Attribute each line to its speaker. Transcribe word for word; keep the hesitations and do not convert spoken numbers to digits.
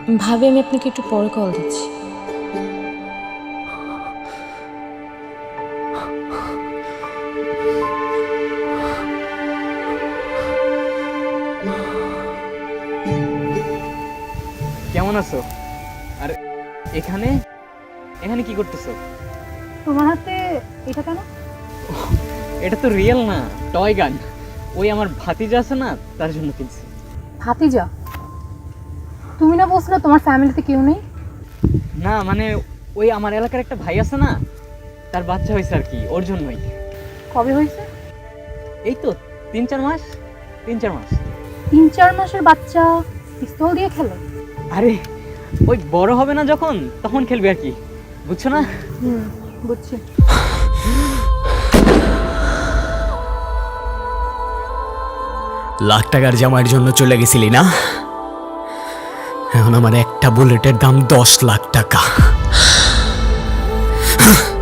Speaker 1: ভাবি আমি আপনাকে একটু পরে কল দিচ্ছি।
Speaker 2: কেমন আছো? আর এখানে এখানে কি করতেছো?
Speaker 3: তোমার হাতে এটা কেন?
Speaker 2: এটা তো রিয়েল না, টয় গান। ওই আমার ভাতিজা আছে না, তার জন্য কিনছি।
Speaker 3: ভাতিজা? তুমি না বলছিলে তোমার ফ্যামিলিতে কেউ নেই?
Speaker 2: না মানে ওই আমার এলাকার একটা ভাই আছে না, তার বাচ্চা হয়েছে আর কি, ওর জন্যই।
Speaker 3: কবে হয়েছে?
Speaker 2: এই তো তিন চার মাস তিন চার মাস
Speaker 3: তিন চার মাসের বাচ্চা পিস্তল দিয়ে খেলে?
Speaker 2: আরে ওই বড় হবে না যখন, তখন খেলবে আর কি, বুঝছো না?
Speaker 3: হুম, বুঝছি।
Speaker 4: লাখ টাকার জামার জন্য চলে গেছিলি না? এখন আমার একটা বুলেটের দাম দশ লাখ টাকা।